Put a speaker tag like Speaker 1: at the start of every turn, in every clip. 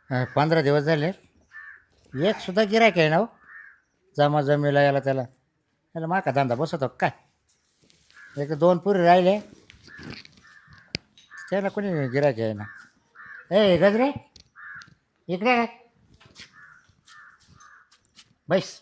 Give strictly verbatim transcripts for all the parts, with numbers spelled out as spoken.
Speaker 1: अं, पंधरा दिवस झाले. एक सुद्धा गिरायक आहे ना हो. जमा जमीला याला त्याला याला मा का धंदा बसवतो का काय. एक तर दोन पुरी राहिले त्याला कोणी गिरायक आहे ना. ए गजरे इकडे काय बैस.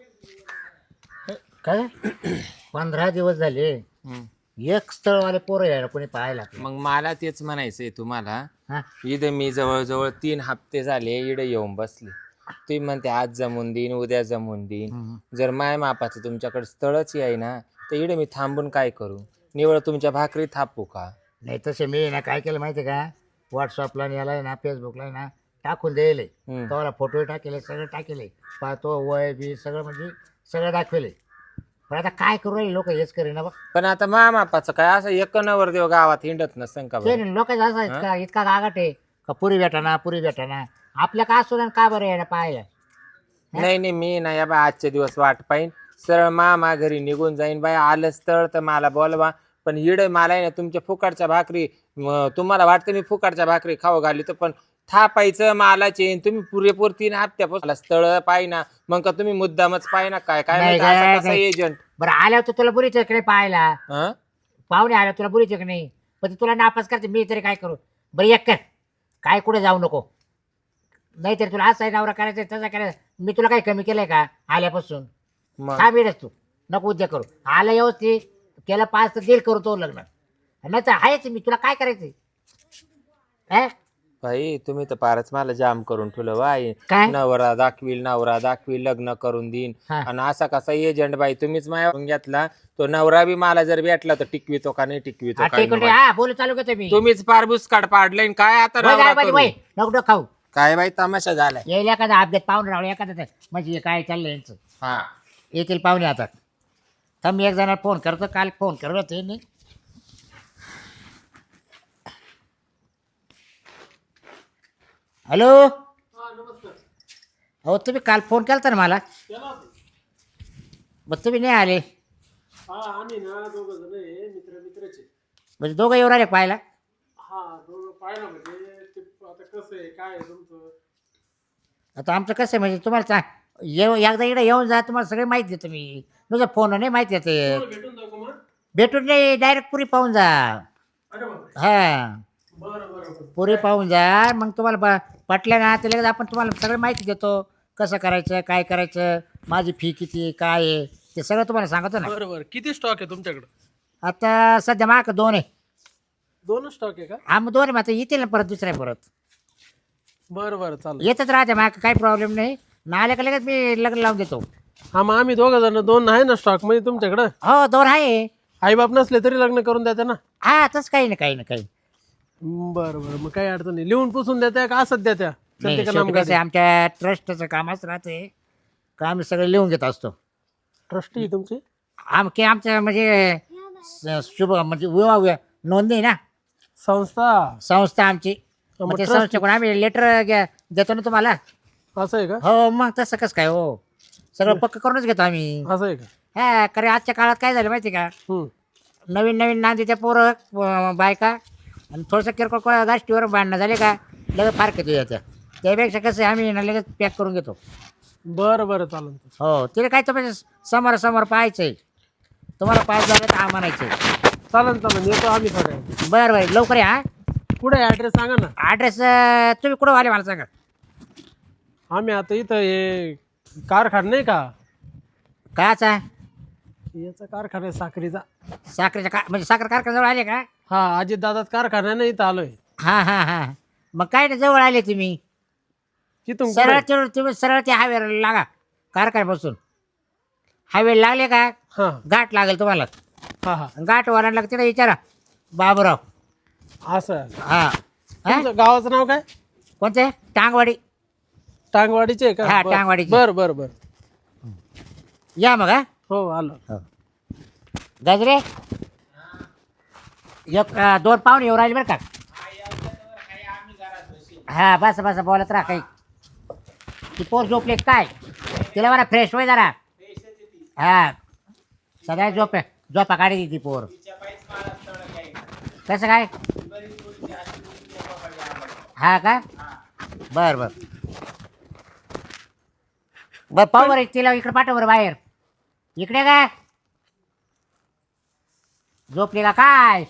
Speaker 1: काय पंधरा दिवस झाले.
Speaker 2: हम्म.
Speaker 1: एक स्थळवाले पोरं यायला कोणी पाहायला आपल्याला.
Speaker 2: मग मला तेच म्हणायचंय तुम्हाला.
Speaker 1: हा
Speaker 2: इथं मी जवळजवळ तीन हप्ते झाले इकडे येऊन बसले. तुम्ही म्हणते आज जमून देईन उद्या जमून देईन.
Speaker 1: हम्म.
Speaker 2: जर माय मापाचं तुमच्याकडे स्थळच आहे ना तर इकडे मी थांबून काय करू. निवळ तुमच्या भाकरी थापू का.
Speaker 1: नाही तसे मी ना काय केलं माहिती आहे का. व्हॉट्सअपला याला आहे ना फेसबुकला आहे ना टाकून द्यायले.
Speaker 2: हम्म.
Speaker 1: तो फोटो टाकेले सगळं टाकेले पाहतो वय बी सगळं म्हणजे सगळं दाखवले. पण आता काय करू राहिले लोक हेच करेन ना बघ.
Speaker 2: पण आता मा मापाचं काय असं एक नवर देव गावात हिंडत नसन का
Speaker 1: ते
Speaker 2: बरं?
Speaker 1: लोक असं इतका इतका गागाट आहे का पुरी भेटाना पुरी भेटाना. आपल्या का असू का बरं यायला पाहायला.
Speaker 2: नाही नाही मी ना या बा आजचे दिवस वाट पाहिन. सरळ मामा घरी निघून जाईन बाय. आलं स्थळ तर मला बोलवा. पण इड मला आहे ना तुमच्या फुकाटच्या भाकरी म, तुम्हाला वाटतं मी फुकाटच्या भाकरी खाऊ घाली तर पण थापायचं मालाचे. तुम्ही पुरेपूर तीन हप्त्यापासून स्थळ पाहिना मग का तुम्ही मुद्दामच पाहिना काय काय
Speaker 1: नाही
Speaker 2: माहिती
Speaker 1: गं,
Speaker 2: असं कसं
Speaker 1: नाही.
Speaker 2: एजंट.
Speaker 1: बरं आल्यावर तर तुला बुरीच इकडे पाहायला
Speaker 2: हं?
Speaker 1: पाहुणे आल्या तुला बुरीच की नाही. पण ते तुला नापास करते मी तरी काय करू. बरं एक कर काय कुठे जाऊ नको. नाहीतरी तुला असा नवरा करायचा तसा करायचा. मी तुला काही कमी केलंय का आल्यापासून.
Speaker 2: मग
Speaker 1: काय मिळत तू नको उद्या करू. आलं व्यवस्थित केलं पाच तर देईल करू तो लग्न. नाही तर आहेच मी तुला काय करायचंय. हा?
Speaker 2: भाई तुम्ही तर फारच मला जाम करून ठेवलं बाई.
Speaker 1: काय
Speaker 2: नवरा दाखवील नवरा दाखवील लग्न करून देईन.
Speaker 1: हा.
Speaker 2: आणि असा कसा एजंट बाई तुम्हीच माझ्यावरून घेतला. तो नवरा बी मला जर भेटला तर टिकवितो का नाही टिकवितो
Speaker 1: हा,
Speaker 2: काय
Speaker 1: टिकून
Speaker 2: नाही.
Speaker 1: हा बोलू चालू करतो मी.
Speaker 2: तुम्हीच पार बुसकाट पाडलंय न काय आता
Speaker 1: वय
Speaker 2: नवरा
Speaker 1: जाय पाहिजे,
Speaker 2: करू?
Speaker 1: वय नको नको खाऊ.
Speaker 2: काय बाई तमाशा झालाय.
Speaker 1: येईल एखादा अपडेट पाहून राहू एखादा म्हणजे काय चाललंय यांचं.
Speaker 2: हा
Speaker 1: येतील पाहुणे आता. थांब मी एक जणाला फोन करतो. काल फोन करत होते नाही. हॅलो हो तुम्ही काल फोन केला ना मला. मग तुम्ही नाही आले.
Speaker 3: हा आम्ही ना दोघं जण आहे मित्र मित्रचे.
Speaker 1: म्हणजे दोघं येऊ राहिले पाहायला.
Speaker 3: हा दोघं पाहिलं म्हणजे ते आता कसं आहे काय आहे तुमचं.
Speaker 1: आता आमचं कसं आहे म्हणजे तुम्हाला चा- येऊ एकदा इकडे येऊन जा तुम्हाला सगळे माहिती देतो मी. तुझं फोन नाही माहिती येते.
Speaker 3: तुम्हाला भेटून जाऊ का मग.
Speaker 1: भेटून नाही डायरेक्ट पुरी पाहून जा.
Speaker 3: अरे बापरे.
Speaker 1: हा
Speaker 3: बरं बरं बरं.
Speaker 1: पुरी पाहून जा. मग तुम्हाला प- पटलं ना तर लगेच आपण तुम्हाला सगळं माहिती देतो. कसं करायचं काय करायचं माझी फी किती काय आहे ते सगळं तुम्हाला सांगतो ना.
Speaker 3: बरं बरं किती स्टॉक आहे तुमच्याकडं.
Speaker 1: आता सध्या माग दोन आहे.
Speaker 3: दोन स्टॉक आहे का.
Speaker 1: हा मग दोन आहे. मग आता येतील ना परत दुसऱ्या परत
Speaker 3: बरं बरं चालेल.
Speaker 1: येतच राहते माग काही प्रॉब्लेम नाही. ना आल्या का लगेच मी लग्न लावून देतो.
Speaker 3: हा मग आम्ही दोघं जण दोन आहे ना स्टॉक मध्ये तुमच्याकडं.
Speaker 1: हो दोन आहे.
Speaker 3: आई बाप नसले तरी लग्न करून देता ना.
Speaker 1: हा तसं काही नाही काही नाही काही
Speaker 3: बरं बरं मग काही अडचण नाही. लिहून पुसून देत्या का असत देत्या.
Speaker 1: नाही.
Speaker 3: चलते का
Speaker 1: शेवटी
Speaker 3: नाम
Speaker 1: कसं आहे, आमच्या ट्रस्टचं काम असं राहते का आम्ही सगळं लिहून घेत असतो.
Speaker 3: ट्रस्टी तुमची.
Speaker 1: आमके आमचं म्हणजे स- शुभ म्हणजे विवाह वि- नोंदणी ना
Speaker 3: संस्था.
Speaker 1: संस्था आमची.
Speaker 3: मग
Speaker 1: मग ते
Speaker 3: trust-
Speaker 1: संस्थेकडून आम्ही लेटर देतो ना तुम्हाला.
Speaker 3: असं आहे का.
Speaker 1: हो मग तसं कसं काय हो सगळं पक्क करूनच घेतो आम्ही.
Speaker 3: असं आहे का.
Speaker 1: हा कारण आजच्या काळात काय झालं माहिती का.
Speaker 3: हम्म.
Speaker 1: नवीन नवीन नांदीच्या पोरं अं, बायका आणि थोडंसं किरकोळ को- गोष्टीवर भांडणं झाले का लगेच फार येतो येत्या. त्यापेक्षा कसं आहे, आम्ही ना लगेच पॅक करून घेतो.
Speaker 3: बरं बरं चालेल.
Speaker 1: हो तिला काय तुम्ही समोर समोर पाहायचं आहे. तुम्हाला पाच झालं तर आम्हाला म्हणायचं आहे.
Speaker 3: चालेल चालेल येतो आम्ही थोड्या वेळात.
Speaker 1: बरं बरं लवकर या हा.
Speaker 3: कुठे ॲड्रेस सांगा ना.
Speaker 1: ॲड्रेस तुम्ही कुठं आले मला सांगा.
Speaker 3: आम्ही आता इथं हे कारखाना नाही का.
Speaker 1: काचा
Speaker 3: याचा कारखाना आहे साखरीचा.
Speaker 1: साखरेच्या का म्हणजे साखर कारखान्याजवळ आले का.
Speaker 3: हा अजित दादात कारखाना नाही इथं आलोय.
Speaker 1: हां हां हां मग काय नाही जवळ आले तुम्ही.
Speaker 3: तिथून
Speaker 1: सरळ
Speaker 3: कुठे?
Speaker 1: तिथून तुम्ही सरळ त्या हायवेला लागा कारखान्यापासून. हायवे लागले का
Speaker 3: हा
Speaker 1: घाट लागेल तुम्हाला.
Speaker 3: हा हा
Speaker 1: घाट वरांना तिथे विचारा बाबूराव.
Speaker 3: असं आहे.
Speaker 1: हां हां
Speaker 3: तुमचं गावाचं नाव काय.
Speaker 1: कोणते टांगवाडी.
Speaker 3: टांगवाडीचे आहे
Speaker 1: हा,
Speaker 3: का.
Speaker 1: टांगवाडीचे.
Speaker 3: बर बर बर.
Speaker 1: या मग हा.
Speaker 3: हो आलो.
Speaker 1: गजरे एक अं, दोन पाहुणे येऊ राहिले बरं का. हा बस बस बोलत राहा काही. ती पोर झोपले काय तिला बरा फ्रेश होय जरा. हा सगळ्या झोप झोपा काढी ती पोर. कसं काय. हा का बर बर बर पाहू बरं तिला इकडे पाठव बरं बाहेर. इकडे काय झोपली का काय?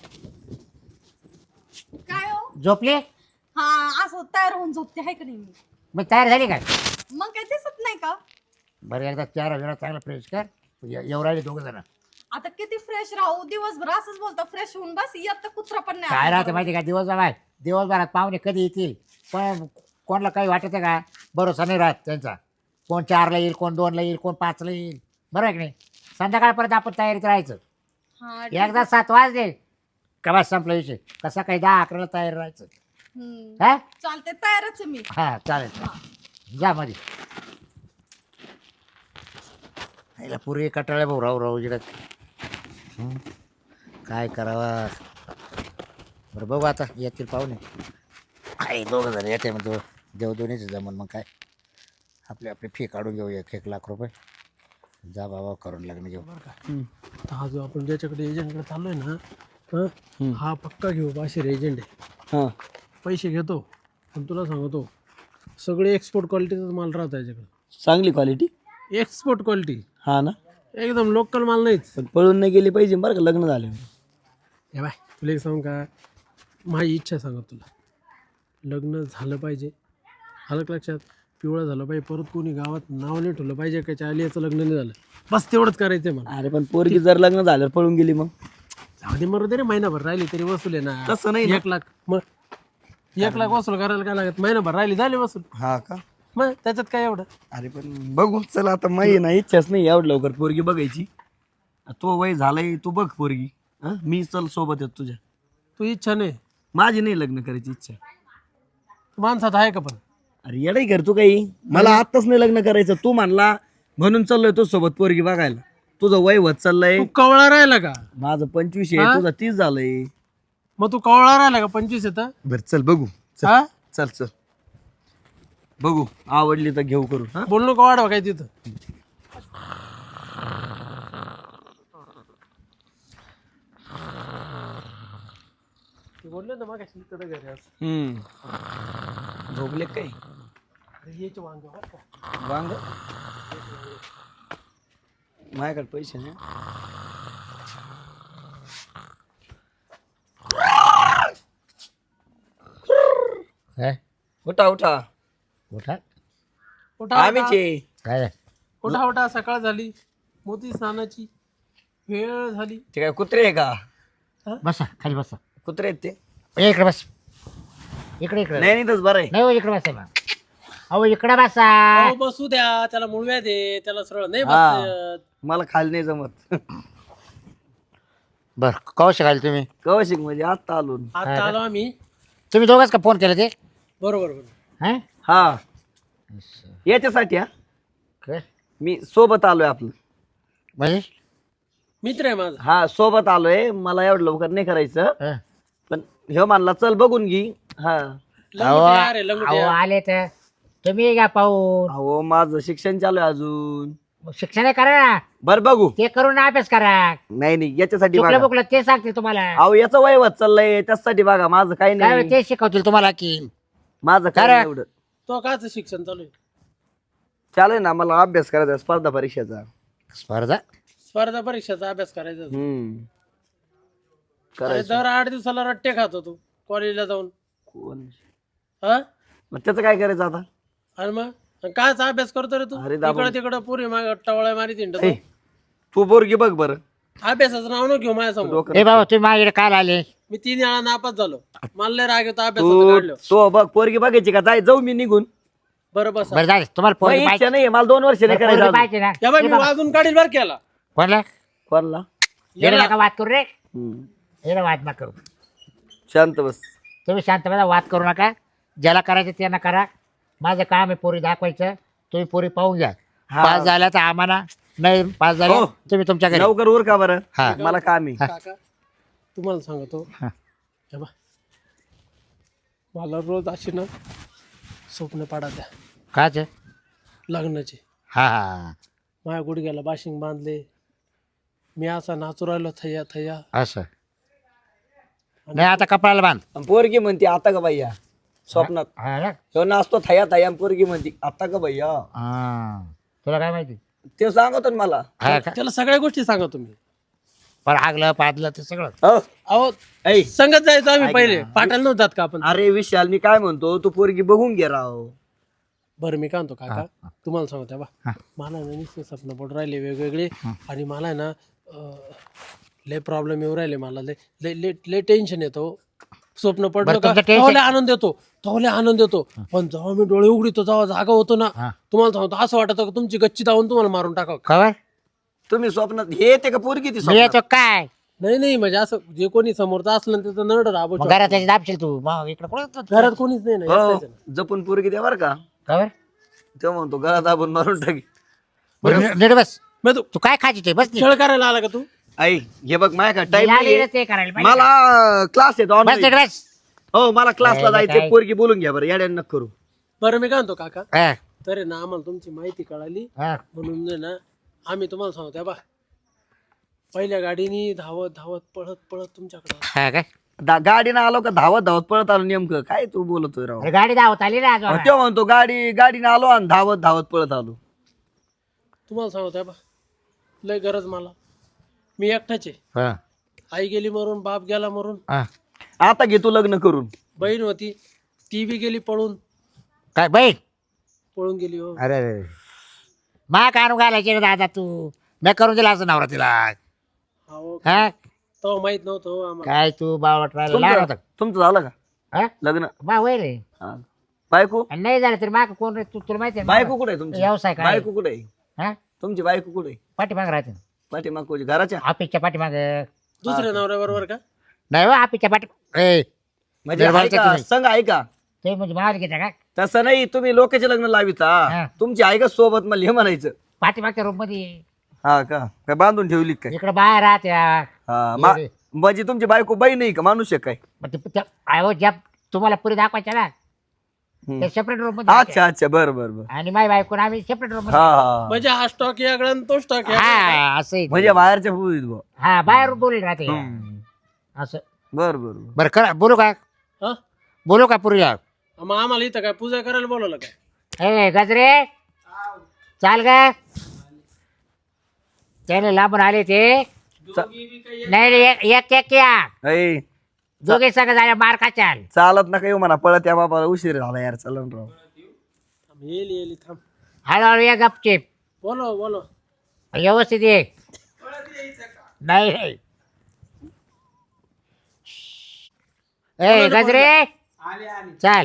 Speaker 4: काय हो?
Speaker 1: झोपली
Speaker 4: हा असं तयार होऊन झोपते आहे का नाही मी?
Speaker 1: मग तयार झाली काय?
Speaker 4: मग काय दिसत नाही का?
Speaker 1: बरं एकदा चार वेळा चांगला फ्रेश कर. येऊ राहिले दोघं जण.
Speaker 4: आता किती फ्रेश राहू दिवसभर असंच बोलता फ्रेश होऊन बस येत कुत्रा पण नाही
Speaker 1: काय
Speaker 4: आपल्या
Speaker 1: राहते माहिती का दिवसभरात दिवसभरात पाहुणे कधी येतील पण कोणाला काही वाटत आहे का? भरोसा नाही राहत त्यांचा. कोण चारला येईल कोण दोनला येईल कोण पाचला येईल. बरोबर आहे की नाही? संध्याकाळपर्यंत आपण तयारीत राहायचं.
Speaker 4: हा, ठीक
Speaker 1: एकदा सात वाजले का बस संपला विषय. कसा काही दहा अकराला तयार राहायचं.
Speaker 4: हम्म.
Speaker 1: हा
Speaker 4: चालते तयारच आहे मी.
Speaker 1: हा चालेल जा मध्ये. याला पुरे कटाळ्या भाऊ राहू राहू जिडत काय करावा. बरं बघू आता येतील पाहुणे. आहे दोघं जण येते मग देव दोन्हीच जमन. मग काय आपली आपली फी काढून घेऊ एक एक लाख रुपये. जा बाबा करून लग्न घेऊ.
Speaker 3: तर हा जो आपण ज्याच्याकडे एजंटकडे चाललोय ना हं, हा पक्का घेऊ बाशीर एजंट आहे.
Speaker 5: हां
Speaker 3: पैसे घेतो पण तुला सांगतो सगळे एक्सपोर्ट क्वालिटीचाच माल राहतो याच्याकडे.
Speaker 5: चांगली क्वालिटी.
Speaker 3: एक्सपोर्ट क्वालिटी
Speaker 5: हा ना.
Speaker 3: एकदम लोकल माल नाहीच.
Speaker 5: पण पळून नाही गेली पाहिजे बरं का लग्न झाले.
Speaker 3: हे बाय तुला एक सांगू का माझी इच्छा सांगत तुला लग्न झालं पाहिजे. आलं का लक्षात? पिवळं झालं पाहिजे. परत कोणी गावात नाव नाही ठेवलं पाहिजे का चाली याचं लग्न नाही झालं. बस तेवढंच करायचं मला.
Speaker 5: अरे पण पोरगी जर लग्न झालं पळून गेली मग
Speaker 3: जाऊ दे मरू दे रे महिनाभर राहिली तरी वसूल आहे ना.
Speaker 5: तसं नाही ना.
Speaker 3: एक लाख मग एक लाख वसूल करायला काय लागत? महिनाभर राहिली झाली वसूल.
Speaker 5: हा का.
Speaker 3: मग त्याच्यात काय एवढं.
Speaker 5: अरे पण बघू चला आता माही ना इच्छाच नाही एवढं लवकर पोरगी बघायची. तो वय झालाय तू बघ पोरगी. हा मी चल सोबत येतो तुझ्या.
Speaker 3: तू इच्छा नाही
Speaker 5: माझी नाही लग्न करायची इच्छा.
Speaker 3: माणसात आहे का पण?
Speaker 5: अरे येडाई कर तू काही. मला आत्ताच नाही लग्न करायचं तू म्हणला म्हणून चाललोय तो सोबत पोरगी बघायला. तुझं वय होत चाललंय.
Speaker 3: तू कवळा राहिला का?
Speaker 5: माझं पंचवीस आहे तुझं तीस झालंय.
Speaker 3: मग तू कवळा राहिला का? पंचवीस येतं.
Speaker 5: बर चल बघू.
Speaker 3: हा
Speaker 5: चल चल बघू आवडली तर घेऊ करू. हा
Speaker 3: बोल नको वाढवा काय तिथं. बोललो ना मग तिकडे घरी असं.
Speaker 5: हम्म झोपले काही
Speaker 3: अरे याचे वांगे बरं का.
Speaker 5: वांग माझ्याकडे पैसे नाही.
Speaker 1: काय
Speaker 5: उठा उठा
Speaker 1: उठा
Speaker 3: उठा
Speaker 5: आम्हीच
Speaker 3: उठा.
Speaker 5: आहे.
Speaker 1: काय
Speaker 3: उठा उठा सकाळ झाली. मोती स्नानाची वेळ झाली.
Speaker 5: ते काय कुत्रे आहे का.
Speaker 1: बसा खाली बसा.
Speaker 5: कुत्रे आहेत ते.
Speaker 1: ए, इकडे बस. इकडे इकडे
Speaker 5: नाही नाही तस बरं आहे.
Speaker 1: नाही हो इकडे बसा ना. अहो इकडे बसा.
Speaker 3: अहो, बसू द्या त्याला मुळव्या दे त्याला सरळ नाही
Speaker 5: हा.
Speaker 3: बसत.
Speaker 5: मला खाली नाही जमत.
Speaker 1: बर कवा शिकायला तुम्ही?
Speaker 5: कौशिक म्हणजे आत्ता आलो.
Speaker 3: आता आलो आम्ही.
Speaker 1: तुम्ही दोघंच का फोन केला ते?
Speaker 3: बरोबर बरोबर.
Speaker 1: हा
Speaker 5: हा याच्यासाठी हा
Speaker 1: काय
Speaker 5: मी सोबत आलोय आपलं.
Speaker 1: म्हणजे
Speaker 3: मित्र आहे माझा.
Speaker 5: हा सोबत आलोय. मला एवढं लवकर नाही करायचं
Speaker 1: हा.
Speaker 5: पण ह्यो मानला चल बघून घे. हा
Speaker 1: अहो
Speaker 3: लंगोटी आहे रे, लंगोटी
Speaker 1: अहो,
Speaker 3: आहे.
Speaker 1: आले तर तुम्ही घ्या पाहून.
Speaker 5: अहो माझं शिक्षण चालू आहे अजून.
Speaker 1: मग शिक्षण करा ना.
Speaker 5: बर बघू.
Speaker 1: ते करून अभ्यास करा.
Speaker 5: नाही नाही याच्यासाठी
Speaker 1: चुकलं
Speaker 5: बघा.
Speaker 1: बुकलं ते सांगतील तुम्हाला.
Speaker 5: अहो याचं वय होत चाललंय त्यासाठी बघा. माझं काही
Speaker 1: काय
Speaker 5: नाही.
Speaker 1: ते शिकवतील तुम्हाला की
Speaker 5: माझं काय
Speaker 1: करा.
Speaker 5: नाही एवढं.
Speaker 3: तो काच शिक्षण चालू आहे.
Speaker 5: चालेल ना मला अभ्यास करायचा आहे स्पर्धा परीक्षेचा.
Speaker 1: स्पर्धा
Speaker 3: स्पर्धा परीक्षेचा अभ्यास करायचा.
Speaker 5: हम्म
Speaker 3: अरे
Speaker 5: करायचं.
Speaker 3: दर आठ दिवसाला रट्टे खात होतो कॉलेजला जाऊन.
Speaker 5: कोण
Speaker 3: हा
Speaker 5: मग त्याचं काय करायचं आता.
Speaker 3: आणि मग आणि कायचा अभ्यास करतो रे तू?
Speaker 5: अरे दाबून.
Speaker 3: इकडं तिकडं पुरी माग टवळ्या मारी तिंड.
Speaker 5: ए, तू बोरगी बघ बरं.
Speaker 3: अभ्यासाचं नाव न घेऊ माझ्यासमोर.
Speaker 5: डोकं
Speaker 1: ए बाबा तुम्ही माझ्याकडे काय आले?
Speaker 3: मी तीन वेळा नापास झालो. मला लय राग येतो अभ्यासाचं
Speaker 5: तू
Speaker 3: काढलं.
Speaker 5: तो बघ पोरगी बघायची का. जाय जाऊ मी निघून.
Speaker 3: बरं बस.
Speaker 1: बरं झालं तुम्हाला
Speaker 5: मला
Speaker 1: पोरगी
Speaker 5: इच्छा
Speaker 1: पाहिजे.
Speaker 5: नाही मला दोन वर्ष नाही
Speaker 1: पोरगी
Speaker 5: करायचं अजून.
Speaker 1: पाहिजे ना.
Speaker 3: या बाई
Speaker 1: ए
Speaker 3: मी
Speaker 1: बाबा,
Speaker 3: वाजून काढील बर केला.
Speaker 1: कोणला
Speaker 5: कोणला.
Speaker 1: येणं नका वाद करू रे.
Speaker 5: हम्म.
Speaker 1: येणं वाद नका करू.
Speaker 5: शांत बस.
Speaker 1: तुम्ही शांत बसा. वाद करू नका. ज्याला करायचं त्यांना करा. माझं काम आहे पोरी दाखवायचं. तुम्ही पोरी पाहून घ्या.
Speaker 5: हा.
Speaker 1: पास झाल्या तर आम्हाला नाही. पास झाल्या
Speaker 5: हो.
Speaker 1: तुम्ही तुमच्या घरी.
Speaker 5: लवकर उर का बरं.
Speaker 1: हा.
Speaker 5: मला काम आहे.
Speaker 3: काका तुम्हाला सांगतो.
Speaker 1: हा.
Speaker 3: हे बा मला रोज अशी ना स्वप्न पाडा द्या
Speaker 1: काच
Speaker 3: लग्नाचे.
Speaker 1: हा हा
Speaker 3: माझ्या गुडघ्याला बाशिंग बांधले. मी असा नाचू राहिलो थैया थैया.
Speaker 1: असं नाही आता कपड्याला बांध.
Speaker 5: आणि पोरगी म्हणते आता का बाई या. स्वप्नात
Speaker 1: हा ना?
Speaker 5: ह्यो नाचतो थया थया पोरगी म्हणती आता का भैया
Speaker 1: हा. तुला काय माहिती
Speaker 5: ते सांगतो ना मला.
Speaker 1: हा का?
Speaker 3: त्याला सगळ्या गोष्टी सांगा तुम्ही.
Speaker 1: पण आगलं पादलं ते सगळं
Speaker 5: हो
Speaker 3: अहो
Speaker 5: ऐ
Speaker 3: संगत जायचं आम्ही
Speaker 5: ऐक
Speaker 3: पहिले
Speaker 5: ना.
Speaker 3: पाठायला नव्हतात का आपण.
Speaker 5: अरे विशाल मी काय म्हणतो तू पोरगी बघून घे राव.
Speaker 3: बरं मी काय म्हणतो काका तुम्हाला सांगतो बा
Speaker 1: हा.
Speaker 3: मला ना नुसते स्वप्न पडून राहिले वेगवेगळे आणि मला आहे ना अं, लय प्रॉब्लेम येऊ राहिले मला लय लय लय लय टेन्शन येतो. स्वप्न पडलं
Speaker 1: बरं,
Speaker 3: का
Speaker 1: तुमचं tension-
Speaker 3: तेव्हा लय आनंद येतो तेव्हा लय आनंद येतो पण जेव्हा मी डोळे उघडतो तेव्हा जागा होतो ना
Speaker 1: हा.
Speaker 3: तुम्हाला सांगतो असं वाटतं का तुमची गच्ची धावून तुम्हाला मारून टाकावं.
Speaker 1: खबर
Speaker 5: तुम्ही स्वप्नात हे येते का पोरगी ती
Speaker 1: मी
Speaker 5: स्वप्नात?
Speaker 1: येतो काय
Speaker 3: नाही नाही म्हणजे असं जे कोणी समोरचं असलं ना त्याचं नरड राबो
Speaker 1: मग घरात त्याची दाबशील तू मग इकडे कोण
Speaker 3: घरात कोणीच नाही ना
Speaker 5: हो
Speaker 3: एकटाच आहे ना.
Speaker 5: जपून पोरगी द्या बरं का.
Speaker 1: खबर
Speaker 5: तेव्हा म्हणतो गळा दाबून मारून टाकी.
Speaker 1: बरं नीट बस
Speaker 3: मग तू
Speaker 1: तू काय खायची ते बस नीट.
Speaker 3: खेळ करायला आला का तू.
Speaker 5: आई हे बघ माय का टाइम
Speaker 1: आली ना ते करायला पाहिजे.
Speaker 5: मला क्लास येतो
Speaker 1: बस नीट
Speaker 5: ऑनलाईन.
Speaker 1: बस
Speaker 5: हो मला क्लासला
Speaker 1: काय-
Speaker 5: जायचंय.
Speaker 1: काय?
Speaker 5: पोरगी बोलून घ्या बरं याड्यान नक करू.
Speaker 3: बरं मी काय म्हणतो काका
Speaker 1: हा,
Speaker 3: तर आहे ना आम्हाला तुमची माहिती कळाली
Speaker 1: हा.
Speaker 3: म्हणून आहे ना आम्ही तुम्हाला सांगतो बा पहिल्या गाडीनी धावत धावत पळत पळत तुमच्याकडे आलो.
Speaker 1: हा काय
Speaker 5: दा- गाडीनं आलो का धावत धावत पळत आलो नेमकं काय तू बोलतोय राव.
Speaker 1: अरे गाडी धावत आली ना
Speaker 5: अहो, तेव्हा म्हणतो गाडी गाडीनं आलो आणि धावत धावत पळत आलो.
Speaker 3: तुम्हाला सांगतो बा लय गरज मला मी एकटाच आहे.
Speaker 1: हा,
Speaker 3: आई गेली मरून बाप गेला मरून
Speaker 1: हा.
Speaker 5: आता घे तू लग्न करून.
Speaker 3: बहीण होती ती बी गेली पळून
Speaker 1: काय बाई
Speaker 3: पळून गेली हो.
Speaker 1: अरे अरे मा कानू घालायचे रे दादा तू मी करून दिला असं नवरा तिला
Speaker 3: अहो
Speaker 1: हा
Speaker 3: तेव्हा माहित नव्हतं हो आम्हाला.
Speaker 1: काय तू बावट राहिला लहान
Speaker 5: तुमचं
Speaker 1: होता
Speaker 5: तुमचं झालं का
Speaker 1: हा?
Speaker 5: लग्न?
Speaker 1: बा वय रे
Speaker 5: हा. बायको
Speaker 1: आणि नाही झालं तरी माग कोण रे तू तुला माहिती आहे ना?
Speaker 5: बायको कुठे आहे तुमची?
Speaker 1: व्यवसाय काय
Speaker 5: बायको कुठे आहे?
Speaker 1: हा
Speaker 5: तुमची बायको कुठे आहे?
Speaker 1: पाठीमाग राहते
Speaker 5: पाठीमाग कोणी घराच्या?
Speaker 1: ऑफिसच्या पाठीमाग
Speaker 3: दुसऱ्या नवऱ्या बरोबर का
Speaker 1: नाही हो ऑफिसच्या पाठी ए
Speaker 5: म्हणजे
Speaker 1: निर्मलच्या
Speaker 5: ऐका,
Speaker 1: तुम्ही.
Speaker 5: संघ ऐका
Speaker 1: ते म्हणजे माल घेता का
Speaker 5: तसं नाही तुम्ही लोकांचे लग्न लाविता
Speaker 1: हा.
Speaker 5: तुमची ऐका सोबत मला हे म्हणायचं.
Speaker 1: पाठीमागच्या रूम मध्ये
Speaker 5: हा का काय बांधून ठेवली काय?
Speaker 1: इकडे बाहेर राहत्या
Speaker 5: हा मा-
Speaker 1: ये रे.
Speaker 5: म्हणजे तुमची बायको बाई नाही का माणूस आहे काय?
Speaker 1: मग ते त्या- अहो ज्या तुम्हाला पुरी दाखवायच्या ना
Speaker 5: हम्म.
Speaker 1: ते सेपरेट रूम मध्ये
Speaker 5: अच्छा अच्छा बरं बरं बरं.
Speaker 1: आणि माझी बायको आणि आम्ही सेपरेट रूम
Speaker 5: हा
Speaker 1: मध्ये
Speaker 5: हा
Speaker 3: म्हणजे हा स्टॉक यागळा आणि तो स्टॉक यागळा.
Speaker 1: हा असं आहे ते.
Speaker 5: म्हणजे बाहेरच्या फुलीत बुवा.
Speaker 1: हा बाहेर बोलेल राहते
Speaker 5: हम्म.
Speaker 1: असं
Speaker 5: बरं बरं बरं.
Speaker 1: बरं करा बोलू का
Speaker 3: हा?
Speaker 1: बोलू का पुरीला
Speaker 3: मग आम्हाला इथं काय पूजा करायला बोलवलं काय.
Speaker 1: ए गजरे चाल ग त्याने लांबून आले ते नाही नाही, एक एक एक या
Speaker 5: ऐ,
Speaker 1: दोघे सगळं झाल्या मार खाचाल
Speaker 5: चालत नका येऊ म्हणा पळत या बाबा उशीर झाला यार चलन राव.
Speaker 3: थांब, येईल येईल थांब
Speaker 1: हळूहळू या गपचिप
Speaker 3: बोलो बोलो
Speaker 1: व्यवस्थित ये नाही नाही. ए गजरे चाल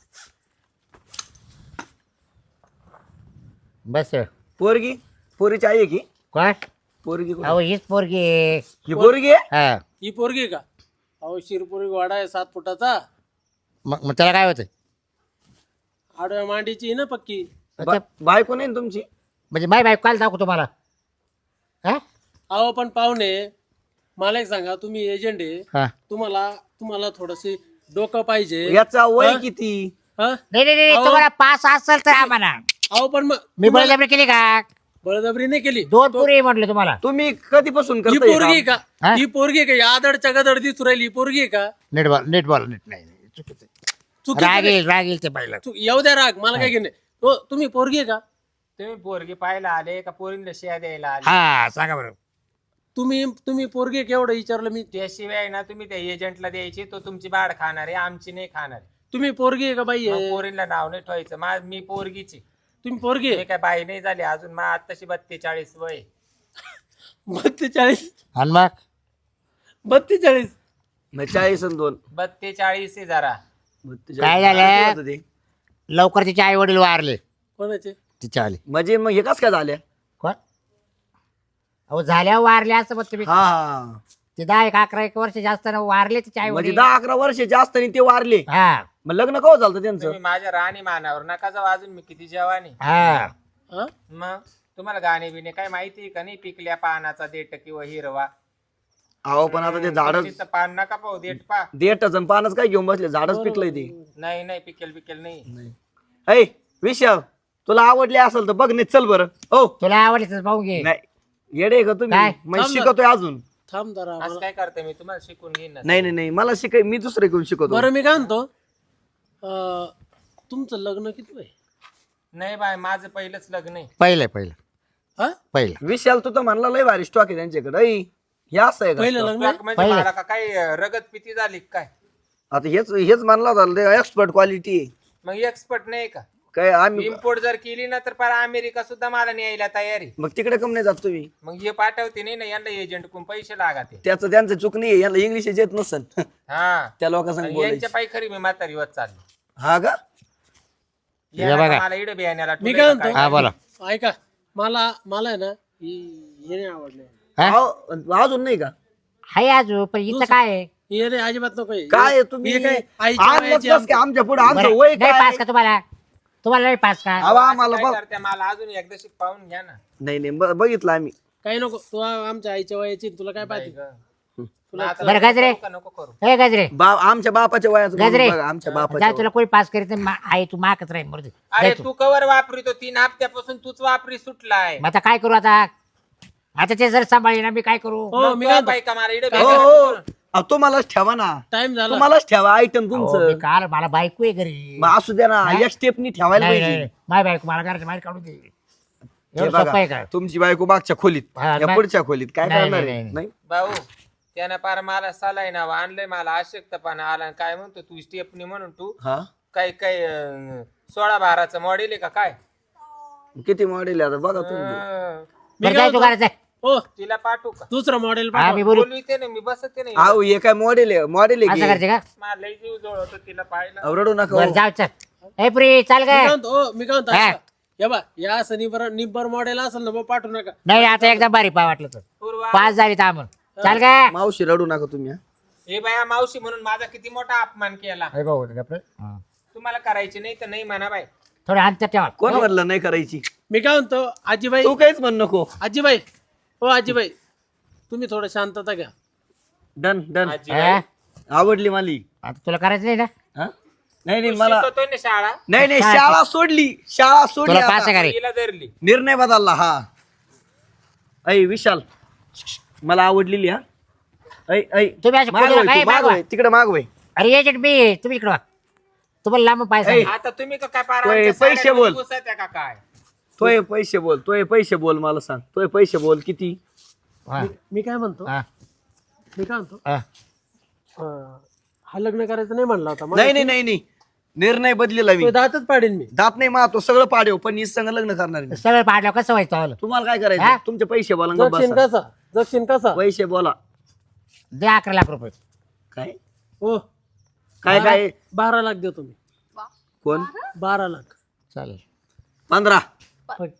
Speaker 1: बस
Speaker 5: पोरगी पोरीची आई आहे की?
Speaker 1: कोण
Speaker 5: पोरगी कुठे?
Speaker 1: अहो हीच पोरगी आहे.
Speaker 5: ही पोरगी आहे?
Speaker 1: हा
Speaker 3: ही पोरगी आहे का. अहो शिरपुरी वाडा आहे सात फुटाचा
Speaker 1: मग मग त्याला काय होतं
Speaker 3: आडव्या मांडीची आहे ना पक्की.
Speaker 5: बा- बायको नाही ना तुमची?
Speaker 1: म्हणजे माय बायको काल दाखवू तुम्हाला हा
Speaker 3: अहो पण पाहुणे मला एक सांगा तुम्ही एजंट आहे
Speaker 1: हा
Speaker 3: तुम्हाला तुम्हाला थोडसे डोकं पाहिजे.
Speaker 5: याचा वय
Speaker 3: हा?
Speaker 5: किती?
Speaker 3: हा?
Speaker 1: नाही नाही नाही
Speaker 3: अहो.
Speaker 1: तुम्हाला पास असेल तर आम्हाला
Speaker 3: अहो पण मग
Speaker 1: मी
Speaker 3: तुम्हाला
Speaker 1: बळजबरी केली का
Speaker 3: बळजबरी नाही केली.
Speaker 1: दोन पुरी म्हटलं तुम्हाला
Speaker 5: तुम्ही कधीपासून
Speaker 3: ही
Speaker 5: करताय हे
Speaker 3: पोरगी आहे
Speaker 5: काम?
Speaker 3: का
Speaker 1: हा?
Speaker 3: ही पोरगी आहे का या आदडच्या गदड दिसू राहिली ही पोरगी आहे का.
Speaker 1: नीट बॉल नीट बॉल नीट नाही नाही, चुकीचं आहे.
Speaker 3: चुकीचं
Speaker 1: राग
Speaker 3: नाही.
Speaker 1: येईल राग येईल ते पाहिलं
Speaker 3: चुक- येऊ द्या राग मला काय घेणे. हो तुम्ही पोरगी आहे का.
Speaker 2: तुम्ही पोरगी पाहायला आले का पोरींना शिया द्यायला आले
Speaker 1: हा सांगा बरं
Speaker 3: तुम्ही तुम्ही पोरगी आहे केवढं विचारलं मी.
Speaker 2: त्याशिवाय ना तुम्ही त्या एजंटला द्यायची तो तुमची बाड खाणार आहे आमची नाही खाणार.
Speaker 3: तुम्ही पोरगी आहे का बाई
Speaker 2: मग
Speaker 3: आहे.
Speaker 2: पोरींना नाव नाही ठेवायचं मा मी पोरगीची
Speaker 3: तुम्ही पोरगी
Speaker 2: मी
Speaker 3: आहे.
Speaker 2: काय बाई नाही झाली अजून मा आत्ताशी बत्तेचाळीस वय.
Speaker 3: बत्तेचाळीस
Speaker 1: आणि मग
Speaker 3: बत्तेचाळीस
Speaker 5: मग चाळीस आणि दोन
Speaker 2: बत्तेचाळीस आहे जरा.
Speaker 5: बत्तेचाळीस.
Speaker 1: काय झालं?
Speaker 5: किती होतं ते?
Speaker 1: लवकर तिचे आई वडील वारले
Speaker 3: कोणाचे.
Speaker 1: तिच्या आले
Speaker 5: म्हणजे मग हे कस काय झाल्या?
Speaker 1: कोण अहो झाल्यावर वारले असं मग तुम्ही
Speaker 5: हा हा
Speaker 1: ते दहा एक अकरा एक वर्ष जास्त ना वारले तिचे आई
Speaker 5: म्हणजे
Speaker 1: वडील
Speaker 5: दहा अकरा वर्ष जास्त नाही ते वारले.
Speaker 1: हा
Speaker 5: मग लग्न कवा झालं त्यांचं?
Speaker 2: तुम्ही माझ्या राणी मानावर नका जाऊ अजून मी किती जवानी.
Speaker 1: हा
Speaker 3: हा
Speaker 2: मग तुम्हाला गाणे बिणे काय माहिती आहे का नाही पिकल्या पानाचा देठ किंवा हिरवा.
Speaker 5: अहो पण आता ते झाडच
Speaker 2: तुमची तर पान नका पाहू देठ पा.
Speaker 5: देठच आणि पानच काय घेऊन बसले झाडच पिकलंय ते.
Speaker 2: नाही नाही पिकेल पिकेल नाही.
Speaker 5: ऐ विशाल तुला आवडले असेल तर बघ नाही चल बरं. हो
Speaker 1: तुला आवडले तर पाहून घे
Speaker 5: नाही येडे का तुम्ही?
Speaker 1: काय?
Speaker 5: मग
Speaker 3: थांब ना.
Speaker 5: शिकवतोय अजून.
Speaker 3: थांब जरा
Speaker 2: असं
Speaker 3: मला.
Speaker 2: काय करते मी तुम्हाला शिकून घेईन ना.
Speaker 5: नाही नाही नाही मला शिकाय मी दुसरे घेऊन शिकवतो.
Speaker 3: बरं मी काय म्हणतो अं, तुमचं लग्न किती आहे?
Speaker 2: नाही बाय माझं पहिलंच लग्न आहे.
Speaker 1: पहिलं पहिलं
Speaker 3: हा
Speaker 1: पहिलं
Speaker 5: विशाल तू तर म्हणला लय भारी स्टॉक आहे त्यांच्याकडे ऐ, हे असं आहे
Speaker 3: पहिलं
Speaker 5: का
Speaker 3: लग्न
Speaker 2: Stock म्हणजे
Speaker 1: पहिलं.
Speaker 2: मला का काय अं, रगत पिती झाली का काय?
Speaker 5: आता हेच हेच म्हणला होता एक्सपर्ट क्वालिटी
Speaker 2: मग एक्सपर्ट नाही का?
Speaker 5: काय आम्ही
Speaker 2: इम्पोर्ट जर केली ना तर पर अमेरिका सुद्धा मला न्यायला तयारी.
Speaker 5: मग तिकडे कम नाही जात तुम्ही
Speaker 2: मग हे पाठवते नाही ना यांना एजंट कोण पैसे लागते.
Speaker 5: त्याचं त्यांचं चूक नाही याला इंग्लिश येत नसन
Speaker 2: हा
Speaker 5: त्या लोकांसंग
Speaker 2: आणि
Speaker 5: बोलायचं
Speaker 2: यांच्या पायी खरी मी म्हातारी होत चालली.
Speaker 5: हा का
Speaker 1: हे बघा.
Speaker 2: मला इडे बियाण्याला
Speaker 3: मी
Speaker 2: ठेवलंय
Speaker 3: काय
Speaker 2: का
Speaker 1: हा
Speaker 2: काय?
Speaker 1: बोला
Speaker 3: ऐका मला मला आहे ना हे हे नाही आवडले.
Speaker 1: हा?
Speaker 5: अहो, अजून नाही का
Speaker 1: हाय आजू पण इथं काय आहे?
Speaker 3: हे नाही अजिबात नको हे.
Speaker 5: काय आहे तुम्ही
Speaker 3: हे काय आईच्या
Speaker 5: आणलंच
Speaker 3: वयाची
Speaker 5: कसं काय आमच्या पुढे आमचं
Speaker 1: बरं,
Speaker 5: वय
Speaker 1: नाही
Speaker 5: काय
Speaker 1: पास का तुम्हाला तुम्हाला नाही पास का
Speaker 5: अहो, आम्हाला
Speaker 2: असं काय
Speaker 5: बघ
Speaker 2: करते मला अजून एकदा शिक पाहून घ्या ना.
Speaker 5: नाही नाही ब- बघितलं आम्ही
Speaker 3: काही नको तू आमच्या आईच्या वयाची तुला काय पाहिजे
Speaker 2: मग आता
Speaker 1: बरं गजरे
Speaker 2: नको नको करू.
Speaker 1: ए गजरे
Speaker 5: बाप आमच्या बापाच्या वयाचं बघून
Speaker 1: गजरे
Speaker 5: बघा, आमच्या
Speaker 1: जा
Speaker 5: बापाच्या
Speaker 1: तुला कोणी पास करीत नाही, मा- आई तू माकच राहील मरू दे.
Speaker 2: अरे
Speaker 1: जाय तू.
Speaker 2: तू कवर वापरितो तीन हप्त्यापासून तूच वापरी सुटलाय.
Speaker 1: मग आता काय करू आता आता ते जर सांभाळले ना मी काय करू
Speaker 3: हो
Speaker 2: मग
Speaker 3: मी
Speaker 2: तो
Speaker 3: काय
Speaker 2: बाई का मला इडे
Speaker 5: वयाचं. हो
Speaker 2: बियाण्याला
Speaker 5: हो अहो, तुम्हालाच ठेवा ना
Speaker 3: टाइम झाला
Speaker 5: तुम्हालाच ठेवा आयटम
Speaker 1: अहो,
Speaker 5: तुमचं
Speaker 1: मी काल मला बायको आहे घरी
Speaker 5: मग असू द्या ना एक स्टेपनी ठेवायला
Speaker 1: नाही
Speaker 5: पाहिजे
Speaker 1: नाही माय बायको मला घराच्या बाहेर काढून दे
Speaker 5: हे
Speaker 1: एवढं सोपं आहे का
Speaker 5: बघा तुमची बायको मागच्या खोलीत
Speaker 1: हा,
Speaker 5: या
Speaker 1: नाही.
Speaker 5: पुढच्या खोलीत काय
Speaker 1: नाही,
Speaker 5: करणार
Speaker 1: नाही,
Speaker 5: आहे?
Speaker 1: नाही.
Speaker 5: नाही
Speaker 2: भाऊ त्यानं पार मला सलाई नाव आणलंय मला अशक्तपणा आला आणि काय म्हणतो तू स्टेपनी म्हणून तू
Speaker 5: हा
Speaker 2: काय काय अं, सोळा बाराचं मॉडेल आहे का काय?
Speaker 5: किती मॉडेल आहे आता बघा तुम्ही
Speaker 2: अं,
Speaker 3: मी
Speaker 1: बरं
Speaker 3: काय
Speaker 1: जाय तू
Speaker 3: म्हणतो?
Speaker 1: घरात जाय
Speaker 3: हो
Speaker 2: तिला पाठवू का?
Speaker 3: दुसरं मॉडेल
Speaker 1: हा मी बोलू
Speaker 2: बोलविते ना मी बसते नाही.
Speaker 5: अहो हे काय मॉडेल आहे मॉडेल आहे
Speaker 1: असं
Speaker 5: की?
Speaker 1: करायचं का
Speaker 2: मला लई जीव जवळ होतं तिला पाहिलं.
Speaker 5: अहो, रडू नका
Speaker 1: बरं
Speaker 5: हो.
Speaker 1: जाऊ चल ए प्री चाल
Speaker 3: मी
Speaker 1: काय
Speaker 3: काय म्हणतो हो, मी काय म्हणतो
Speaker 1: हा.
Speaker 3: ऐका. हे बा या असं निब्बर निब्बर मॉडेल असेल ना बा पाठवू नका
Speaker 1: नाही आता एकदम बारी पाय वाटलं तर
Speaker 2: पूर्वा
Speaker 1: पाच झाली थांबून चाल काय
Speaker 5: मावशी रडू नका तुम्ही हा.
Speaker 2: हे बाया मावशी म्हणून माझा किती मोठा अपमान केला.
Speaker 1: हे भाऊ गप्रे. हा.
Speaker 2: तुम्हाला करायची नाही तर नाही म्हणा बाई.
Speaker 1: थोडं अंतर ठेवा
Speaker 5: कोण म्हणलं नाही करायची
Speaker 3: मी काय म्हणतो आजीबाई
Speaker 5: तू काहीच म्हण नको
Speaker 3: आजीबाई हो आजीबाई तुम्ही थोडं शांतता घ्या
Speaker 5: डन डन
Speaker 2: आजी
Speaker 1: हा?
Speaker 5: आवडली माली
Speaker 1: आता तुला करायचं नाही ना
Speaker 5: हा? नाही नाही मला
Speaker 2: शिकवतोय ना शाळा
Speaker 5: नाही नाही शाळा सोडली शाळा सोडली
Speaker 1: तुला पास
Speaker 5: आता.
Speaker 1: आहे का रे
Speaker 2: तिला धरली.
Speaker 5: निर्णय बदलला हा ऐ विशाल मला आवडलेली हा ऐ ऐ
Speaker 1: तुम्ही असं
Speaker 5: मागवय
Speaker 1: कोणाला
Speaker 5: तू,
Speaker 1: काय मागवा?
Speaker 5: मागवय तिकडे मागवय
Speaker 1: अरे एजंट मी तुम्ही इकडं वा. तुम्हाला लांब पाय सांग
Speaker 2: आता तुम्ही का काय पार
Speaker 5: तोय
Speaker 2: आमच्या
Speaker 5: पैसे
Speaker 2: साड्या
Speaker 5: बोल.
Speaker 2: घुसत्या का काय?
Speaker 5: तोय पैसे बोल तोय पैसे बोल मला सांग तोय पैसे बोल किती
Speaker 1: हा.
Speaker 3: मी काय म्हणतो
Speaker 1: हा.
Speaker 3: मी काय म्हणतो
Speaker 1: हा.
Speaker 3: अं, हा लग्न करायचं नाही म्हणला होता
Speaker 5: नाही नाही नाही नाही निर्णय बदलेला मी
Speaker 3: तो दातच पाडेल मी
Speaker 5: दात नाही मा तो सगळं पाडेव पण हीच संग लग्न करणार मी
Speaker 1: सगळं पाडलं कसं व्हायचं आलं
Speaker 5: तुम्हाला काय
Speaker 1: हा?
Speaker 5: करायचं तुमचे पैसे बोला गप्प
Speaker 3: दक्षिण
Speaker 5: बसा.
Speaker 3: कसा दक्षिण कसा
Speaker 5: पैसे बोला
Speaker 1: दे अकरा लाख रुपये
Speaker 5: काय
Speaker 3: हो
Speaker 5: काय काय
Speaker 3: बारा लाख देतो मी
Speaker 5: कोण
Speaker 3: बारा लाख
Speaker 1: चालेल
Speaker 5: पंधरा
Speaker 3: फक्त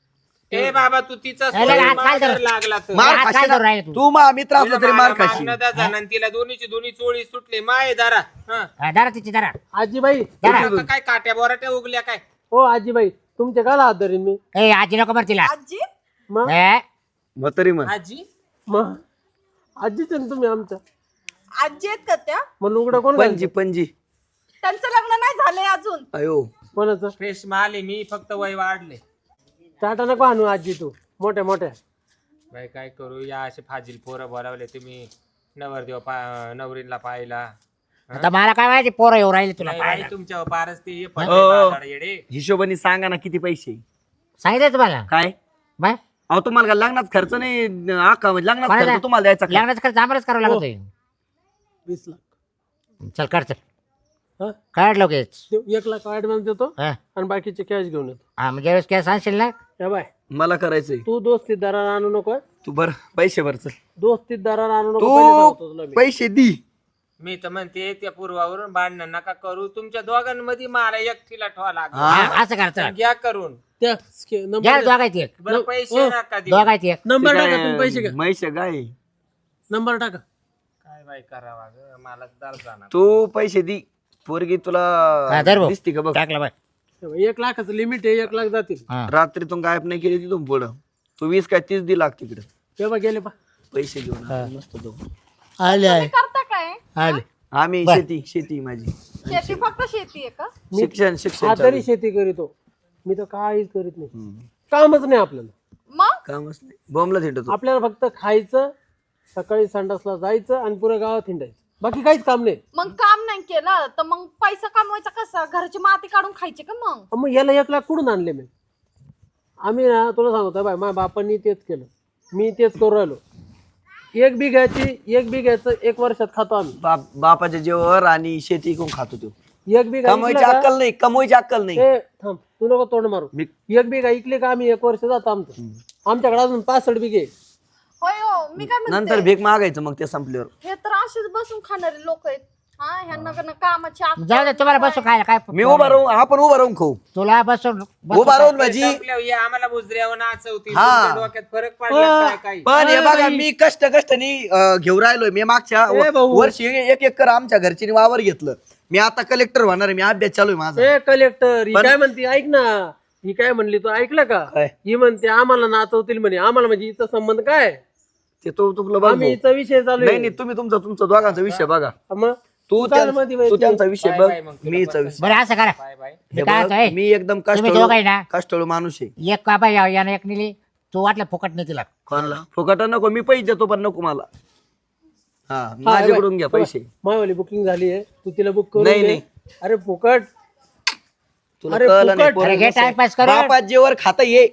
Speaker 2: ए बाबा तू तिचा
Speaker 1: अरे,
Speaker 2: सोडून
Speaker 1: हात काय
Speaker 2: माघार
Speaker 1: धर?
Speaker 2: लागला तर.
Speaker 5: मार
Speaker 1: हात काय
Speaker 5: खाशी
Speaker 1: धरून राहिले तू?
Speaker 5: तू मा मित्र असला
Speaker 2: तिला
Speaker 5: तरी मार
Speaker 2: मला
Speaker 5: खाशी
Speaker 2: मागणं द्या जण आणि तिला दोन्हीची दोन्ही चोळी सुटली माय दारा हं.
Speaker 1: हा, धरा तिची धरा
Speaker 3: आजीबाई
Speaker 1: धरा.
Speaker 2: आता काय काट्या बोराट्या उगल्या काय?
Speaker 3: हो आजीबाई तुमच्या काला हात धरीन मी
Speaker 1: ए आजी नको मर तिला
Speaker 4: आजी
Speaker 3: मग
Speaker 1: ए,
Speaker 5: म्हातारी म्हण
Speaker 2: आजी
Speaker 3: मग आजीच आहे ना तुम्ही आमच्या
Speaker 4: आजी आहेत का त्या
Speaker 3: मग लुगडं कोण
Speaker 5: पणजी
Speaker 3: घालतं?
Speaker 5: पणजी
Speaker 4: त्यांचं लग्न नाही झालंय अजून.
Speaker 5: अयो
Speaker 3: कोणाचं
Speaker 2: फ्रेश माल आहे मी फक्त वय वाढले.
Speaker 3: टाटा नको आणू आजी तू मोठ्या मोठ्या
Speaker 2: बाई काय करू या असे फाजील पोरं बोलावले तुम्ही नवरदेव पा नवरीला पाहिला.
Speaker 1: आता मला काय माहिती पोरं येऊ राहिले तुला
Speaker 2: नाही बाई,
Speaker 1: पाहायला.
Speaker 2: तुमच्या पारच ते हे
Speaker 5: हो.
Speaker 2: पडले बाजाड येडे.
Speaker 5: हिशोबाने सांगा ना किती पैसे
Speaker 1: सांगितलं तुम्हाला
Speaker 5: काय
Speaker 1: बाय
Speaker 5: अहो तुम्हाला काय लग्नात खर्च नाही आका म्हणजे लग्नात
Speaker 1: कोणाला?
Speaker 5: खर्च तुम्हाला द्यायचा का?
Speaker 1: लग्नाचं खर्च आम्हालाच करावं लागत
Speaker 3: वीस लाख
Speaker 1: चल काढ चल
Speaker 3: हा
Speaker 1: काढ लगेच
Speaker 3: देऊ, एक लाख ऍडव्हान्स देतो
Speaker 1: हा
Speaker 3: आणि बाकीचे कॅश घेऊन येतो
Speaker 1: हा, मग ज्यावेळेस कॅश आणशील ना
Speaker 3: या बाय
Speaker 5: मला करायचंय
Speaker 3: तू दोस्तीत दरार आणू नको
Speaker 5: तू बर पैसे भर चल
Speaker 3: दोस्तीत दरार आणू नको पहिले सांगतो तुला
Speaker 5: तू
Speaker 3: मी.
Speaker 5: पैसे दी
Speaker 2: मी तर म्हणते त्या पूर्वावरून भांडण नका करू तुमच्या दोघांमध्ये मला एकटीला ठेवा लागला.
Speaker 1: हा, असं कर चल
Speaker 2: घ्या करून
Speaker 3: त्या स्के-
Speaker 1: घ्या
Speaker 3: नंबर
Speaker 1: दोघायची एक
Speaker 2: बरं पैसे
Speaker 3: हो.
Speaker 2: नका देऊ.
Speaker 1: दोघायची एक
Speaker 3: नंबर टाका तुम्ही पैसे घ्या
Speaker 5: म्हैसे काय
Speaker 3: नंबर टाका
Speaker 2: काय बाई करावा ग मला दर जाणार.
Speaker 5: तू पैसे दी पोरगी
Speaker 1: हा,
Speaker 5: तुला
Speaker 1: धर भाऊ.
Speaker 5: दिसती का बघ
Speaker 1: टाकला बाय
Speaker 3: हे बघ, एक लाखाचं लिमिट आहे एक लाख जातील
Speaker 1: हा
Speaker 5: रात्रीतून गायब नाही केली तिथून पुढं तू वीस काय तीस दी लाग तिकडे
Speaker 3: तेव्हा गेले पा
Speaker 5: पैसे घेऊन
Speaker 1: हा.
Speaker 5: मस्त तो
Speaker 1: आले
Speaker 4: तुम्ही करता काय?
Speaker 1: आले
Speaker 5: आम्ही
Speaker 1: बर.
Speaker 5: शेती शेती माझी
Speaker 4: शेती फक्त शेती आहे का?
Speaker 5: शिक्षण शिक्षण
Speaker 3: हा
Speaker 5: चालू
Speaker 3: तरी
Speaker 5: आहे.
Speaker 3: शेती करीतो मी तर काहीच करीत नाही
Speaker 5: हम्म.
Speaker 3: कामच नाही आपल्याला
Speaker 4: मग
Speaker 5: कामच नाही बॉम्बला थिंडतो
Speaker 3: आपल्याला फक्त खायचं सकाळी संडासला जायचं आणि पुऱ्या गावात हिंडायचं बाकी काहीच काम नाही
Speaker 4: मग काम नाही नाही केलं तर मग पैसा कमवायचा कसा? घरची माती काढून खायची का मग?
Speaker 3: मग याला एक लाख कुठून आणले मी? आम्ही ना तुला सांगतो बाय, माझ्या बापांनी तेच केलं, मी तेच करू राहिलो. एक बिघ्याची एक बिघ्याचं एक वर्षात खातो आम्ही.
Speaker 5: बाप बापाच्या जेवर आणि शेती कोण खातो तो.
Speaker 3: एक बिघा
Speaker 5: कमवायची
Speaker 3: इकलं का-
Speaker 5: अक्कल नाही, कमवायची अक्कल नाही.
Speaker 3: ए, थांब, तू नको तोंड मारू.
Speaker 5: मी
Speaker 3: एक बिघा इकले का आम्ही एक वर्ष जातो आमचं. आमच्याकडे अजून पासष्ट बिघे आहे.
Speaker 4: होय हो, मी काय
Speaker 5: नंतर
Speaker 4: म्हणते,
Speaker 5: भीक मागायचं मग ते संपल्यावर.
Speaker 4: हे तर असेच बसून खाणारे लोक आहेत. हा ह्यांना का ना कामाची अक्कल
Speaker 1: जाऊ दे तुम्हाला बसून खायला काय
Speaker 5: मी उभा राहून आपण उभा राहून खाऊ.
Speaker 1: तुला बसून बसून
Speaker 5: उभा राहून माझी
Speaker 2: संपल्यावर हे आम्हाला मुजऱ्यावर नाचवतील.
Speaker 5: हा.
Speaker 2: तुमच्या डोक्यात फरक पडला काय काय?
Speaker 5: पण हे
Speaker 3: अरे
Speaker 5: बघा
Speaker 3: बाई.
Speaker 5: मी कष्ट कष्टाने अं, घेऊन राहिलोय. मी मागच्या
Speaker 3: ए भाऊ.
Speaker 5: वर्षी एक एकर आमच्या घरची वावर घेतलं. मी आता कलेक्टर होणार आहे. मी अभ्यास चालू आहे माझा.
Speaker 3: ए कलेक्टर, ही
Speaker 5: पण-
Speaker 3: काय म्हणते ऐक ना, ही काय म्हणली तू ऐकलं का?
Speaker 5: काय?
Speaker 3: ही म्हणते आम्हाला नाचवतील म्हणे. आम्हाला म्हणजे हिचा संबंध काय?
Speaker 5: ते तो तुला बघ
Speaker 3: आम्ही
Speaker 5: भाऊ.
Speaker 3: हिचा विषय चालू
Speaker 5: नाही नाही तुम्ही तुमचा तुमचा दोघांचा विषय बघा.
Speaker 3: मग
Speaker 5: तू
Speaker 3: तू चाल
Speaker 5: त्या-
Speaker 3: मध्ये बाई
Speaker 5: तू
Speaker 3: तू.
Speaker 5: त्यांचा विषय
Speaker 2: बाय
Speaker 5: बघ
Speaker 2: बाय मग तुला
Speaker 5: मीचा
Speaker 2: पसंत.
Speaker 5: विषय.
Speaker 1: बरं असं करा.
Speaker 2: Bye bye.
Speaker 1: मी
Speaker 5: हे
Speaker 1: काय
Speaker 5: बघ,
Speaker 1: म्हणतोय,
Speaker 5: मी एकदम
Speaker 1: तुम्ही दोघं आहे ना?
Speaker 5: कष्टळू कष्टळू माणूस आहे.
Speaker 1: एक काबा या यानं एक नेली, तू वाटलं फुकट नाही तिला.
Speaker 5: कोणाला फुकट नको, मी पैसे देतो पण नको मला. हा
Speaker 3: हा,
Speaker 5: माझ्याकडून घ्या
Speaker 3: बाई,
Speaker 5: पैसे.
Speaker 3: मायवाली बुकिंग झाली आहे, तू तिला बुक करून
Speaker 5: नाही,
Speaker 3: दे.
Speaker 5: नाही.
Speaker 3: अरे फुकट.
Speaker 5: तुला
Speaker 3: अरे
Speaker 5: कळलं नाही
Speaker 3: फुकट.
Speaker 5: पोरं
Speaker 1: अरे घे
Speaker 5: कसं आहे.
Speaker 1: टाइमपास करून.
Speaker 5: बापात जेवर खाता ये.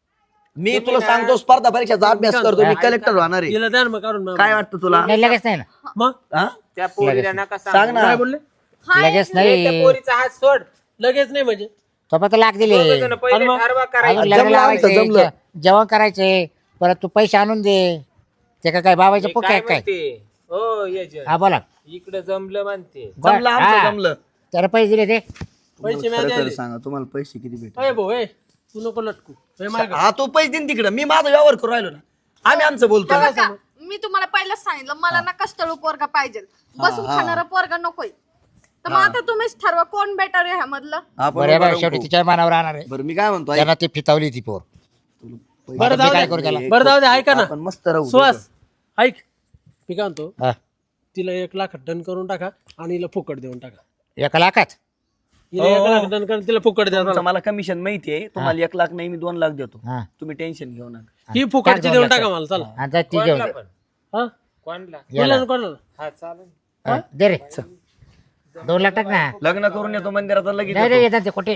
Speaker 5: मी तुला सांगतो स्पर्धा परीक्षेचा अभ्यास करतो. मी कलेक्टर होणार आहे.
Speaker 3: तिला द्या ना मग काढून मग.
Speaker 5: काय वाटतं तुला?
Speaker 1: नाही लगेच नाही ना,
Speaker 3: मग
Speaker 5: हा?
Speaker 2: त्या पोरीला नका
Speaker 5: सांग
Speaker 2: सांगू.
Speaker 5: ना.
Speaker 3: काय बोलले?
Speaker 1: लगेच
Speaker 2: त्या
Speaker 1: नाही.
Speaker 2: पोरीचा हात सोड.
Speaker 3: लगेच नाही म्हणजे
Speaker 1: तो फक्त लाख दिले,
Speaker 2: दोघं जण पहिले
Speaker 3: आणि मग-
Speaker 2: ठरवा
Speaker 1: अजून
Speaker 2: करायचं.
Speaker 1: लग्न
Speaker 5: जमलं
Speaker 1: लावायचे,
Speaker 5: आमचं, जमलं.
Speaker 1: जे- जेवण करायचे, परत तू पैसे आणून दे. ते का काय बाबाचं
Speaker 2: मी
Speaker 1: पुक
Speaker 2: काय
Speaker 1: आहे काय?
Speaker 2: म्हणते हो यजन
Speaker 1: हा बोला.
Speaker 2: इकडे जमलं म्हणते.
Speaker 5: जमलं
Speaker 1: हा.
Speaker 5: आमचं जमलं.
Speaker 1: त्याला पैसे दिले ते.
Speaker 3: पैसे
Speaker 5: खरं
Speaker 3: मिळाले
Speaker 5: खरं
Speaker 3: आले.
Speaker 5: सांगा तुम्हाला पैसे किती भेटले?
Speaker 3: अरे भाऊ ए, तू नको लटकू. हे माझ्याकडे.
Speaker 5: हा तू पैसे देईन तिकडं. मी माझा व्यवहार करू राहिलो ना. आम्ही आमचं बोलतो.
Speaker 4: बघा का, मी तुम्हाला पहिलंच सांगितलं मला ना कष्टाळू पोरगा पाहिजे, बसून खाणारा पोरगा नकोय. तर मग आता तुम्हीच ठरवा कोण बेटर आहे ह्यामधलं.
Speaker 5: आपण
Speaker 1: बरं
Speaker 5: उभा
Speaker 1: बरं,
Speaker 5: राहून
Speaker 1: शेवटी
Speaker 5: खाऊ.
Speaker 1: तिच्या मनावर राहणार आहे.
Speaker 5: बरं मी काय म्हणतो ऐक.
Speaker 1: त्यांना ती फितावली ती पोर.
Speaker 3: बरं
Speaker 1: आता
Speaker 3: जाऊ
Speaker 1: मी काय करू त्याला?
Speaker 3: दे, बरं जाऊ दे, ऐका ना
Speaker 5: आपण मस्त राहू.
Speaker 3: सुहास ऐक, मी काय म्हणतो,
Speaker 1: हा.
Speaker 3: तिला एक लाख डन करून टाका आणि हिला फुकट देऊन टाका.
Speaker 1: एका लाखात
Speaker 3: हिला एक लाख डन करून तिला फुकट द्या.
Speaker 5: तुमचं मला कमिशन माहिती आहे. तुम्हाला एक लाख नाही मी दोन लाख देतो.
Speaker 1: हा.
Speaker 5: तुम्ही टेन्शन घेऊ नका.
Speaker 3: ही फुकटची देऊन टाका मला. चला
Speaker 1: आणि जा ती घेऊन
Speaker 2: कोणला
Speaker 1: दे.
Speaker 2: पण
Speaker 3: हा
Speaker 2: कोणला
Speaker 1: याला.
Speaker 3: कोणाला कोणाला?
Speaker 2: हा चालेल.
Speaker 1: हा, दे रे दोन लाख टाक ना.
Speaker 5: लग्न करून येतो मंदिरात लगेच
Speaker 1: नाही
Speaker 5: येतो.
Speaker 1: रे येतात ते कुठे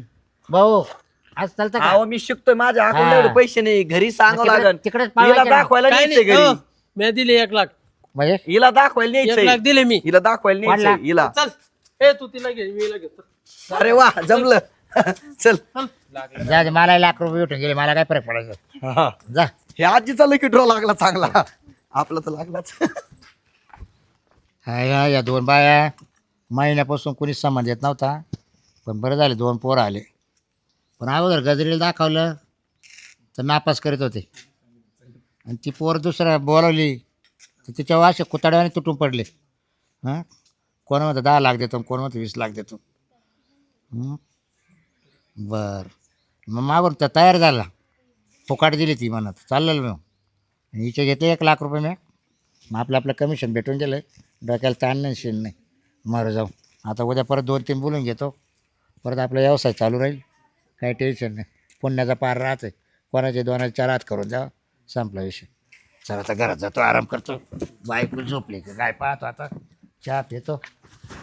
Speaker 1: भाऊ आज चालतं का?
Speaker 5: अहो मी शिकतोय. माझ्या
Speaker 1: हा.
Speaker 5: अकाउंट एवढे पैसे नाही. घरी सांगावं
Speaker 1: तिकडे-
Speaker 5: लागेल.
Speaker 1: तिकडेच
Speaker 5: हिला
Speaker 1: पाळवायचे ना.
Speaker 5: दाखवायला
Speaker 3: काय
Speaker 5: न्यायचंय
Speaker 3: नाही
Speaker 5: घरी.
Speaker 3: हो, मी दिले एक लाख.
Speaker 1: म्हणजे
Speaker 5: हिला दाखवायला
Speaker 3: एक लाख
Speaker 5: न्यायचंय.
Speaker 3: दिले मी.
Speaker 5: हिला दाखवायला
Speaker 1: कोणला?
Speaker 5: न्यायचंय हिला.
Speaker 3: चल ए तू तिला घे, मी हिला घेतो.
Speaker 5: अरे वा जमलं. चल
Speaker 1: जा दे, मला लाख रुपये भेटून गेले, मला काय फरक पडायचं.
Speaker 5: हा.
Speaker 1: जा
Speaker 5: हे आजीचा लकी ड्रॉ लागला चांगला. आपला तर लागलाच.
Speaker 1: हाय या या दोन बाया महिन्यापासून कोणी संबंध येत नव्हता, पण बरं झाले दोन पोरं आले. पण अगोदर गजरीला दाखवलं तर नापास करीत होते, आणि ती पोर दुसऱ्या बोलावली तर तिच्या वाशे कुताड्याने तुटून पडले. हां कोण म्हणतं दहा लाख देतो, कोण म्हणतं वीस लाख देतो. हं? बरं मग मागून तर तयार झाला, फुकाट दिली ती म्हणत चाललेलं मग. आणि हिचे घेते एक लाख रुपये मी. मग आपलं आपलं कमिशन भेटून गेलं, डोक्याला ताण नाही शेण नाही. मारू जाऊ आता उद्या परत दोन तीन बोलून घेतो, परत आपला व्यवसाय चालू राहील, काही टेन्शन नाही. पुण्याचा पार राहते, कोणाचे दोनाचे चार हात करून द्यावा, संपला विषय. चला आता घरात जातो, आराम करतो. बायको झोपली का काय पाहतो, आता चहा पितो.